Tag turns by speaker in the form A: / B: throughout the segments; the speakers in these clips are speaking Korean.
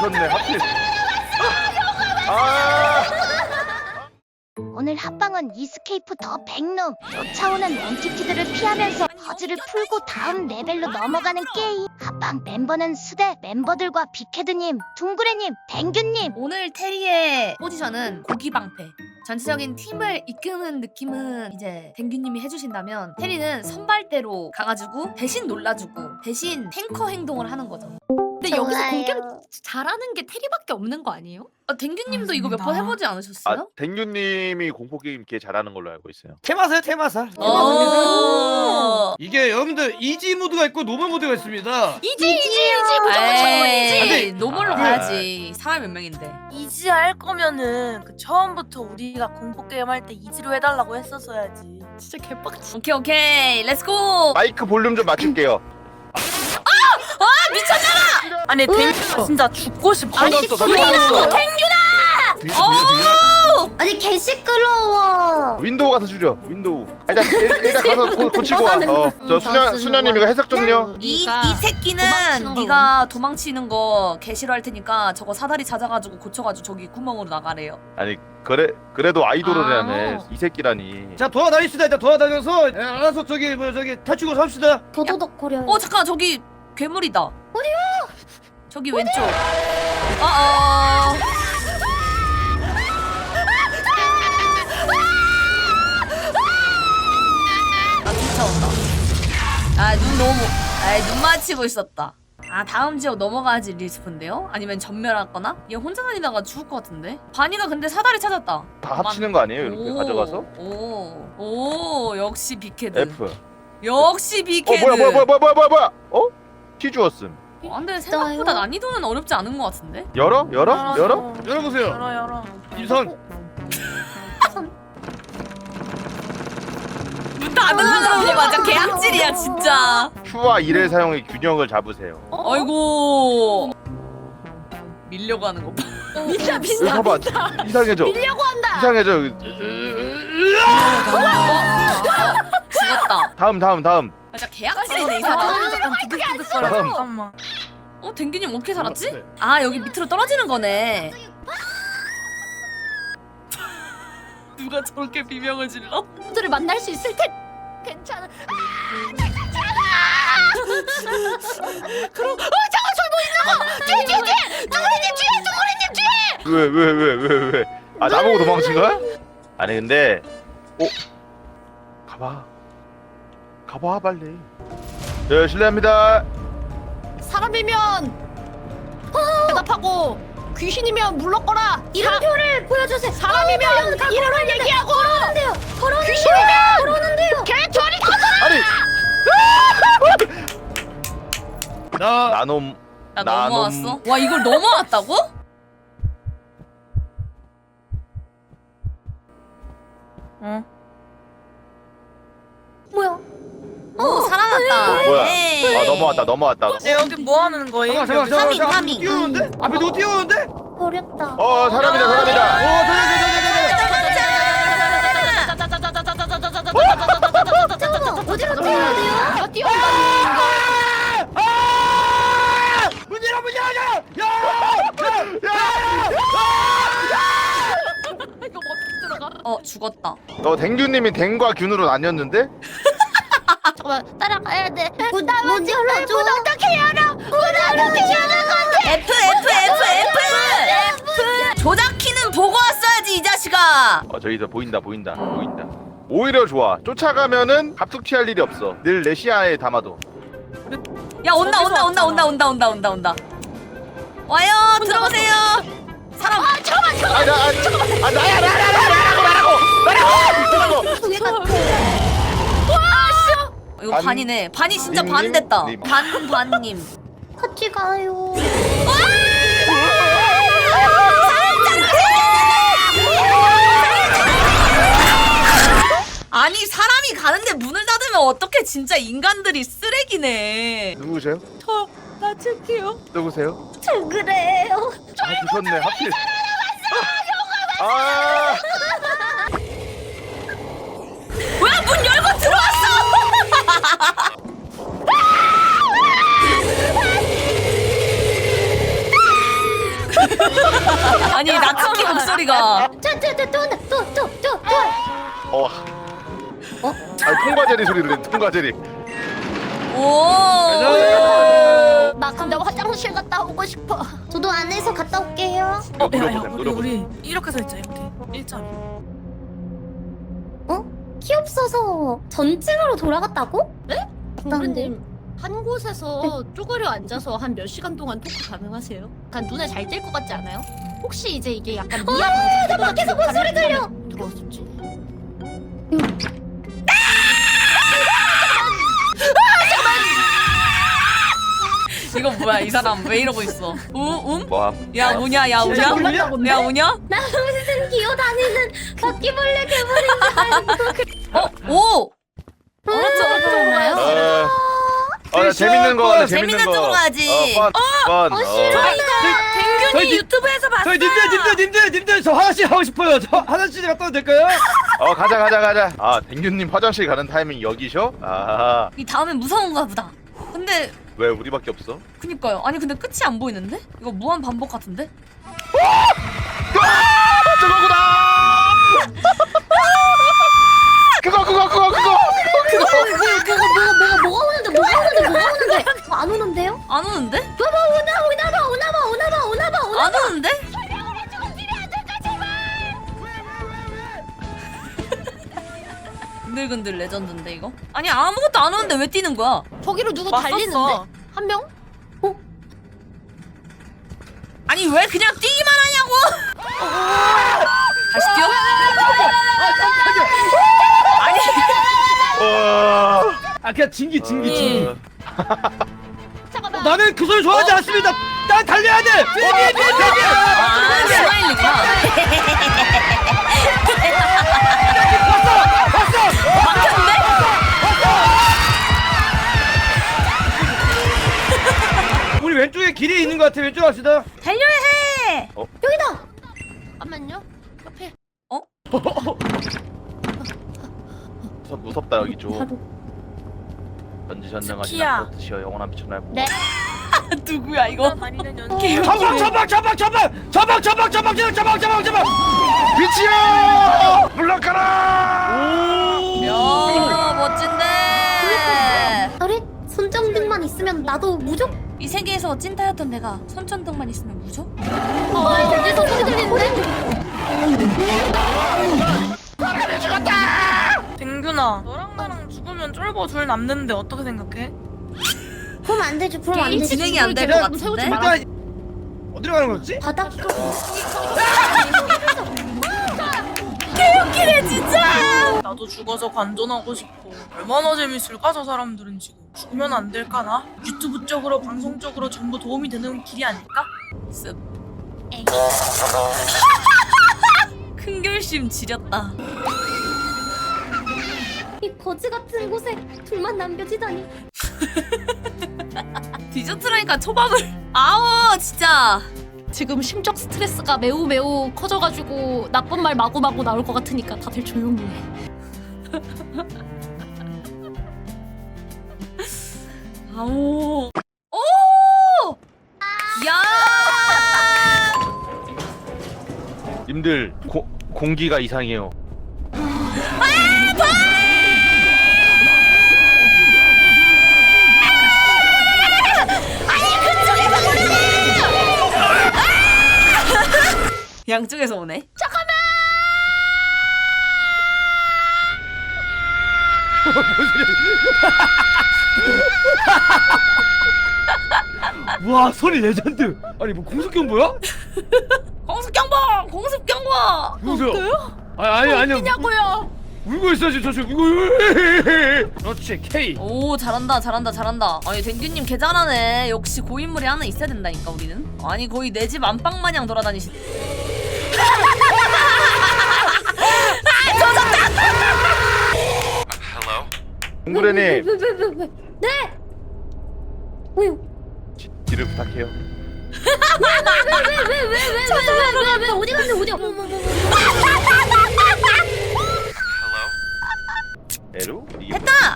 A: 뒤졌네 하필. 아.
B: 오늘 합방은 이스케이프 더 백룸. 쫓아오는 엔티티들을 피하면서 퍼즐을 풀고 다음 레벨로 넘어가는 게임. 합방 멤버는 수대 멤버들과 빅헤드님, 둥그레님, 댕규님.
C: 오늘 테리의 포지션은 고기방패. 전체적인 팀을 이끄는 느낌은 이제 댕규님이 해주신다면 테리는 선발대로 가가지고 대신 놀라주고 대신 탱커 행동을 하는 거죠.
D: 근데 여기서
B: 좋아요.
D: 공격 잘하는 게 테리밖에 없는 거 아니에요?
C: 댕규님도 이거 몇 번 해보지 않으셨어요?
A: 아, 댕규님이 공포 게임 꽤 잘하는 걸로 알고 있어요.
E: 테마사요 테마사.
C: 오.
E: 이게 여러분들 이지 모드가 있고 노멀 모드가 있습니다.
D: 이지 무조건 처음이지.
C: 에이, 노멀로 가야지. 사람 몇 명인데.
F: 이지 할 거면은 그 처음부터 우리가 공포 게임 할 때 이지로 해달라고 했었어야지.
D: 진짜 개빡치.
C: 오케이, 렛츠고.
A: 마이크 볼륨 좀 맞출게요.
F: 아니 댕규 진짜 죽고 싶어.
A: 아니
B: 아니 개 시끄러워.
A: 윈도우 가서 줄여. 윈도우. 일단 가서 고치고 와. 저 수녀님 이거 해석 좀요.
C: 이
D: 네가
C: 새끼는
D: 도망치는
C: 네가 도망치는 거 개 싫어할 테니까 저거 사다리 찾아가지고 고쳐가지고 저기 구멍으로 나가래요.
A: 아니 그래도 아이돌이라네. 이 새끼라니.
E: 자 도와다닙시다. 일단 도와다녀서 알아서 저기 탈출구 삽시다.
B: 도도덕거려요.
C: 잠깐 저기 괴물이다. 어디요? 저기 왼쪽. 쫓아온다. 눈 맞히고 있었다. 다음 지역 넘어가야지 리스폰데요? 아니면 전멸하거나? 얘 혼자 다니다가 죽을 것 같은데? 바니가 근데 사다리 찾았다.
A: 다 합치는 거 아니에요? 이렇게 가져가서?
C: 오, 역시 빅헤드.
A: F.
C: 역시 빅헤드.
A: 뭐야? 키 주었음.
C: 근데 생각보다 난이도는 어렵지 않은 것 같은데?
A: 열어?
E: 열어보세요.
F: 열어.
E: 이선.
C: 문 닫는 거 맞아. 개악질이야 진짜.
A: Q와 1의 사용의 균형을 잡으세요.
C: 아이고. 밀려고 하는 거 봐.
D: 민다
A: 여기 봐봐. 이상해져.
D: 밀려고 한다.
A: 이상해져.
C: 죽었다.
A: 다음.
C: 진짜 개악질이네 이 사람.
F: 잠깐만.
C: 댕기님 어떻게 살았지?
E: 네.
C: 여기 밑으로 떨어지는 거네. 누가 저렇게 비명을 질러?
D: 들을 만날 수 있을 텐. 괜찮아. 그럼 잠깐 저기 뭐 있는 거. 뒤에. 둥그레님 뒤에.
A: 왜? 나보고 도망친 거야? 아니 근데 가봐 빨리. 네 실례합니다.
D: 사람이면 대답하고 귀신이면 물러거라.
B: 이름표를 보여주세요.
D: 사람이면 이름을 얘기하고.
B: 걸어는데요.
D: 귀신이면
B: 걸어는데요.
D: 개처리.
A: 아니
E: 나
A: 나놈.
C: 나 넘어왔어? 와 이걸 넘어왔다고?
F: 응.
B: 뭐야?
C: 살아났다.
A: 뭐야?
C: 에이.
A: 넘어왔다.
F: 여기 뭐 하는 거예요?
E: 잠깐.
C: 파밍.
E: 뛰어오는데? 앞에 누구 뛰어오는데?
B: 버렸다.
A: 사람이다.
B: 어디로 뛰어야 돼요?
D: 이거 뛰어온다.
E: 문 열어!
D: 이거 어떻게 들어가?
C: 죽었다.
A: 너 댕규님이 댕과 균으로 나뉘었는데?
D: 잠깐만 따라가야 돼.
B: 문 열어줘.
D: 어떻게 열어? 어떻게 열는 건데?
C: F. 조작 키는 보고 왔어야지 이 자식아.
A: 저기서 보인다. 오히려 좋아. 쫓아가면은 갑툭 튀할 일이 없어. 늘 내 시야에 담아도.
C: 야 온다. 와요 들어오세요. 사람.
A: 나라고.
B: 그게 같아.
C: 이거 반이네. 반이 진짜
A: 님,
C: 반 됐다.
A: 님.
C: 반님.
B: 같이 가요.
C: 아니 사람이 가는데 문을 닫으면 어떻게 진짜 인간들이 쓰레기네.
A: 누구세요?
F: 나 칠게요.
A: 누구세요?
B: 그래요.
A: 뒤졌네 하필.
C: 뭐야 문 열고 들어왔어. 아니 나츠키 목소리가
B: 또
A: 어. 아, 통과제리 소리 들려. 통과제리.
C: 오.
D: 나 근데 화장실 갔다 오고 싶어.
B: 저도 안에서 갔다 올게요.
F: 야야
A: 물어보세요.
F: 우리 이렇게 서 있자 이렇게 일자로.
B: 키 없어서 전층으로 돌아갔다고?
D: 동그님 한 곳에서 쪼그려 앉아서 한 몇 시간 동안 토크 가능하세요? 약간 눈에 잘 띌 것 같지 않아요? 혹시 이제 이게 약간 미아 나 밖에서 뭔 소리 들려? 들어왔었지.
C: 이거 뭐야 이 사람 왜 이러고 있어?
A: 뭐?
C: 야 우냐 야 우냐? 야 우냐?
B: 나 무슨 기어다니는 바퀴벌레 괴물인
C: 오!
B: 줄
A: 재밌는 거 하네.
C: 재밌는
A: 재밌는 거.
C: 쪽으로 가야지.
A: 번.
F: 댕균이 유튜브에서 봤어.
E: 저희 님들 저 화장실 하고 싶어요. 저 화장실 갔다 와도 될까요?
A: 가자. 아, 댕균님 화장실 가는 타이밍 여기셔? 아,
C: 이 다음엔 무서운가 보다. 근데
A: 왜 우리밖에 없어?
C: 그니까요. 아니 근데 끝이 안 보이는데? 이거 무한 반복 같은데?
A: 저거구나. 그거.
B: 뭐가 오는데 안 오는데요?
C: 안 오는데?
B: 오나봐
C: 안 오는데? 근들근들 레전드인데 이거? 아니 아무것도 안 오는데 왜 뛰는 거야?
D: 저기로 누구
F: 맞섰어.
D: 달리는데? 한 명?
C: 아니 왜 그냥 뛰기만 하냐고? 다시 뛰어? 아니
A: 와.
E: 그냥 진기.
D: 잠깐만.
E: 나는 그 소리 좋아하지 않습니다. 난 달려야 돼.
C: 아 스마일리구나. 막혔는데?
E: 우리 왼쪽에 길이 있는 것 같아. 왼쪽 갑시다.
C: 달려야 해.
D: 잠깐만요. 옆에.
A: 무섭다 여기 좀. 전지전능하신
F: 스키야.
A: 아포트시여 영원한 빛을 날 보고.
B: 네.
C: 누구야 이거?
F: 다니는
E: 전방.
A: 빛이여! 물러가라!
C: 야 멋진데.
B: 우리 손전등만 있으면 나도 무조건
C: 이 세계에서 찐따였던 내가 손전등만 있으면 무죠?
B: 어디서 소리 들리는데?
F: 댕균아 너랑 나랑 죽으면 쫄보 둘 남는데 어떻게 생각해?
B: 그럼 안 되지. 그럼 안
C: 게임
B: 되지.
C: 진행이 안 될 것 같은데?
E: 일단 어디로 가는 거지?
B: 바닥
C: 개웃기네 진짜.
F: 나도 죽어서 관전하고 싶어. 얼마나 재밌을까 저 사람들은 지금. 죽으면 안 될까나? 유튜브 쪽으로 방송 쪽으로 전부 도움이 되는 길이 아닐까?
C: 습. 큰 결심 지렸다.
B: 이 거지 같은 곳에 둘만 남겨지다니.
C: 디저트라니까 초밥을. 아우 진짜.
D: 지금 심적 스트레스가 매우 커져가지고 나쁜 말 마구마구 나올 것 같으니까 다들 조용히 해.
C: 아우. 오! 야!
A: 님들 공기가 이상해요.
C: 양쪽에서 오네.
E: 와 소리 레전드. 아니 뭐 공습경 뭐야?
C: 공습경보! 공습경보!
E: 누구세요? 아니요.
D: 냐고요.
E: 울고 있어 지금 저 울고. 그렇지 K.
C: 오 잘한다. 아니 댕규님 개 잘하네. 역시 고인물이 하나 있어야 된다니까 우리는. 아니 거의 내 집 안방 마냥 돌아다니시.
A: 동그레님
B: 왜? 네. 왜요?
A: 뒤를 부탁해요.
B: 왜 어디 갔는데 어디?
A: 에루? 이게
C: 됐다.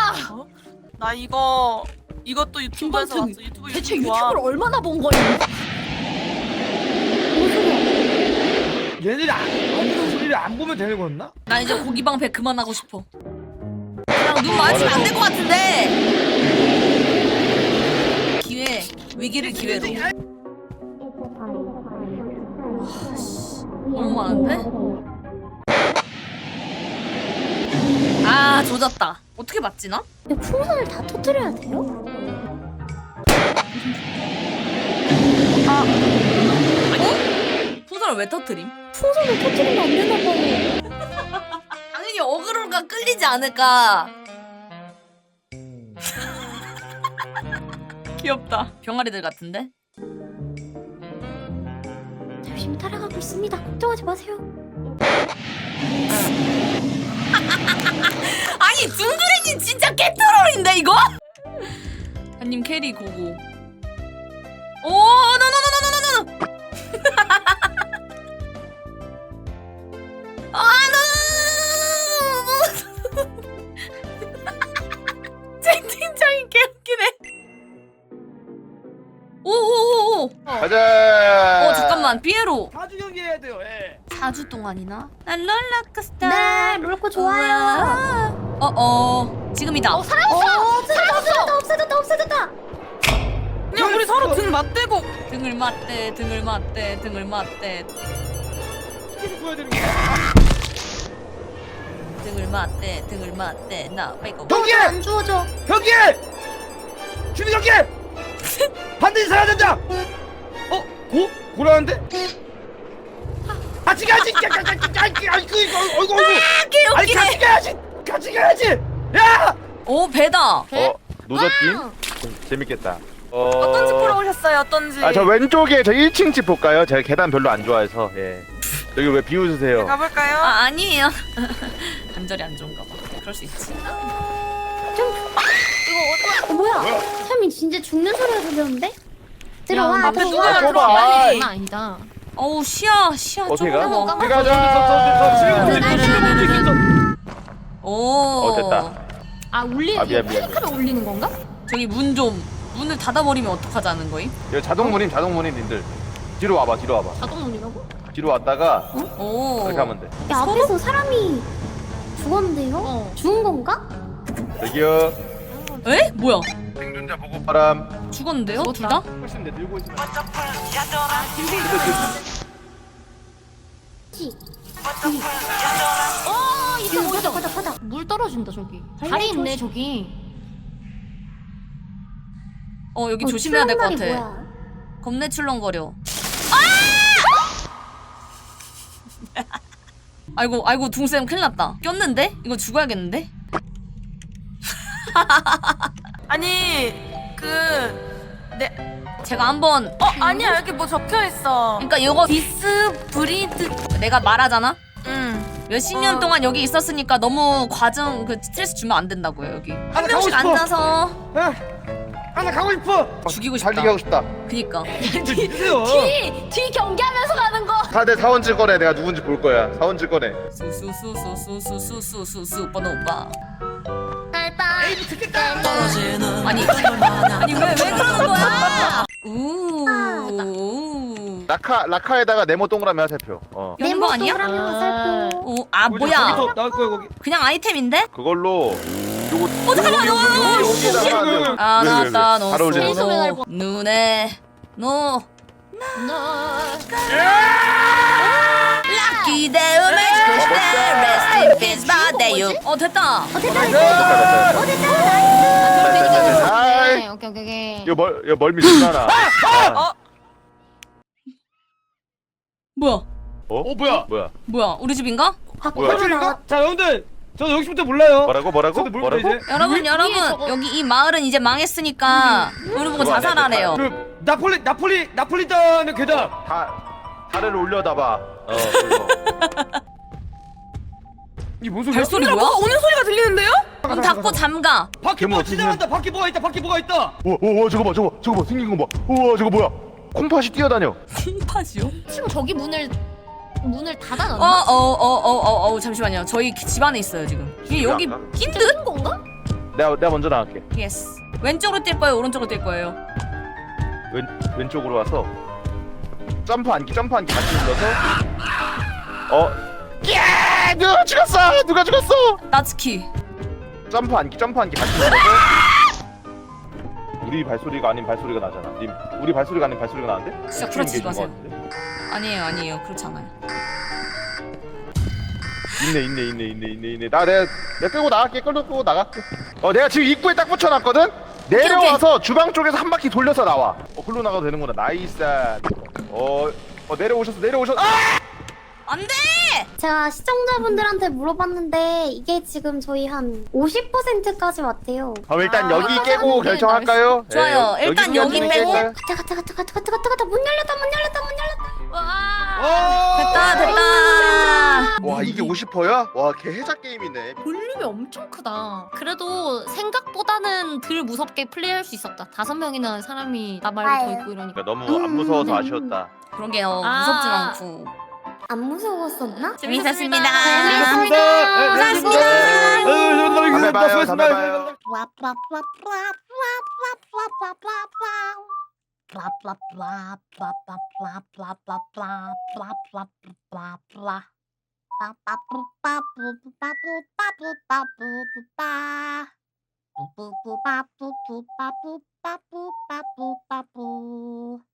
F: 나 이것도 유튜브에서
D: 김범튼,
F: 봤어. 유튜브
D: 대체
F: 유튜브 좋아.
D: 유튜브를 얼마나 본 거예요?
E: 얘네들이 안 하는 소리를 안 보면 되는 거였나?
C: 나 이제 고기 방패 그만하고 싶어. 그냥 눈 마주치면 안 될 것 같은데. 기회, 위기를 기회로. 너무 많은데? 아 조졌다. 어떻게 맞지 나?
B: 근데 풍선을 다 터뜨려야 돼요?
C: 풍선을 왜 터트림?
B: 풍선을 터뜨리면 안 되나 봐요.
C: 당연히 어그로가 끌리지 않을까. 귀엽다. 병아리들 같은데?
B: 열심히 따라가고 있습니다. 걱정하지 마세요.
C: 아니 둥그레님 진짜 개트롤인데 이거? 한님 캐리 고고. 오 노노노노노노노. 아 노노노노노노. 채팅창이 개웃기네. 오오오오.
A: 가자.
C: 잠깐만 피에로.
E: 4주 경기 해야 돼요. 예.
C: 4주 동안이나? 난 롤러코스터.
B: 네, 롤코 좋아요.
C: 지금이다.
B: 없어졌다.
F: 그냥 우리 서로 등 맞대고
C: 등을 맞대.
E: 계속 보여야 되는 거야.
C: 등을 맞대. 나 빼고.
E: 경기!
B: 안 주워져.
E: 경기! 준비 경기! 반드시 살아야 된다. 고라는데? 같이 가야지. 어이구. 아니 같이 가야지. 야!
C: 오 배다.
A: 노젓김? 재밌겠다.
F: 어떤 집 보러 오셨어요? 어떤지.
A: 저 왼쪽에 저 1층 집 볼까요? 제가 계단 별로 안 좋아해서. 예. 여기 왜 비웃으세요?
F: 가볼까요?
C: 아니에요. 관절이 안 좋은가 봐. 그럴 수 있지.
B: 뭐야? 삶이 진짜 죽는 소리가 들렸는데? 들어와.
F: 앞에 누가
A: 아,
F: 들어와?
A: 좁아.
F: 빨리.
D: 아니다.
C: 어우 시야
A: 어떻게 가?
C: 좁아.
A: 어디 가자.
C: 오.
A: 됐다.
D: 울리는
A: 미안.
D: 펠리카를 올리는 건가?
C: 저기 문을 닫아버리면 어떡하자는 거임?
A: 여기 자동문임 님들. 뒤로 와봐.
D: 자동문이라고?
A: 뒤로 왔다가
C: 오.
A: 이렇게 하면 돼.
B: 야, 앞에서 사람이 죽었는데요? 죽은 건가?
A: 여기요.
C: 에? 뭐야?
A: 생존자 보고 바람.
C: 죽었는데요? 둘 다?
A: 훨씬 내 들고 있으면.
B: 이거 바닥.
D: 물 떨어진다 저기.
B: 발레
D: 다리 있네
B: 조심.
D: 저기.
C: 여기 조심해야 될 것 같아.
B: 출렁다리 뭐야?
C: 겁내 출렁거려. 아이고 둥쌤 큰일 났다. 꼈는데? 이거 죽어야겠는데?
F: 아니
C: 제가 한번
F: 아니야 여기 뭐 적혀 있어.
C: 그러니까 이거
F: 디스브리드.
C: 내가 말하잖아?
F: 응.
C: 몇십 년 동안 여기 있었으니까 너무 과정 스트레스 주면 안 된다고요 여기. 한
E: 가고
C: 명씩
E: 싶어.
C: 앉아서
E: 하나 가고 싶어.
C: 죽이고 싶다.
A: 살리게 하고 싶다.
C: 그니까.
E: 주세요.
D: 뒤 경기하면서 가는 거.
A: 다들 사원질 꺼내. 내가 누군지 볼 거야. 사원질 꺼내.
C: 수수수수수수수수수 오빠 오빠.
E: 에이 듣겠다.
C: 아니 왜 그러는 거야? 우.
A: 라카에다가 네모 동그라미 하세표.
C: 여는 거 아니야?
B: 동그라미 화살표.
C: 뭐야?
E: 저기서 나올 거야 거기.
C: 그냥 아이템인데?
A: 그걸로 요거
C: 잠깐만,
A: 여기다가
C: 아 나다
A: 잘 어울리네.
C: 너 눈에 너 럭키 대음을 주고 싶다. Rest in peace, 바대유. 됐다.
A: 아이,
D: 오케이.
A: 이거 멀미 신나나.
C: 뭐야?
A: 뭐야?
C: 우리 집인가?
A: 뭐야?
E: 자 여러분들 저는 여기서부터 몰라요.
A: 뭐라고?
E: 저도 모르겠다 이제.
C: 여러분
D: 저거-
C: 여기 이 마을은 이제 망했으니까 우리 보고
A: 그거 아니야,
C: 자살하래요.
E: 그 나폴리탄의 괴담.
A: 다리를 올려다봐. 그거.
E: 이게 뭔 소리야?
C: 발소리 뭐야?
F: 오는 소리가 들리는데요?
C: 문 닫고 잠가.
E: 밖에 뭐
A: 괴물
E: 지나간다. 밖에 뭐가 있다.
A: 우와 저거 봐. 생긴 거 봐. 우와 저거 뭐야? 콩팥이 뛰어다녀.
C: 콩팥이요?
D: 지금 저기 문을 닫아놨나?
C: 잠시만요. 저희 집 안에 있어요 지금. 이게 여기
A: 안 가?
C: 낀 듯?
D: 뜬 건가?
A: 내가 먼저 나갈게.
C: 예스. 왼쪽으로 뛸 거예요? 오른쪽으로 뛸 거예요?
A: 왼쪽으로 와서 점프 안기 같이 눌러서 야! 누가 죽었어? 누가 죽었어?
C: 나츠키.
A: 점프 안기 같이 눌러서 우리 발소리가 아닌 발소리가 나잖아. 님, 우리 발소리가 아닌 발소리가 나는데?
C: 진짜
A: 대충
C: 구라치지
A: 계신 것
C: 마세요.
A: 같은데?
C: 아니에요. 그렇지 않아요.
A: 있네. 내가 끌고 나갈게. 끌고 나갈게. 내가 지금 입구에 딱 붙여놨거든. 내려와서 주방 쪽에서 한 바퀴 돌려서 나와. 글로 나가도 되는구나. 나이스. 내려오셨어. 아!
C: 안 돼!
G: 제가 시청자분들한테 물어봤는데 이게 지금 저희 한 50%까지 왔대요.
A: 그럼 일단
C: 아,
A: 여기
C: 아까
A: 깨고
C: 하는 게
A: 결정할까요?
C: 좋아요. 일단 여기 빼고.
G: 가자. 문 열렸다.
C: 됐다.
A: 와 이게 50%야? 와 개 해자 게임이네.
D: 볼륨이 엄청 크다. 그래도 생각보다는 덜 무섭게 플레이할 수 있었다. 5명이나 사람이 나 말고 더 있고 이러니까.
A: 그러니까 너무 안 무서워서 아쉬웠다.
C: 그러게요.
D: 아.
C: 무섭진 않고.
G: 안 무서웠었나?
C: 재밌었습니다.
A: 담배 봐요.
B: 빠뿌빠뿌빠뿌빠뿌빠뿌빠뿌빠뿌빠뿌빠뿌빠뿌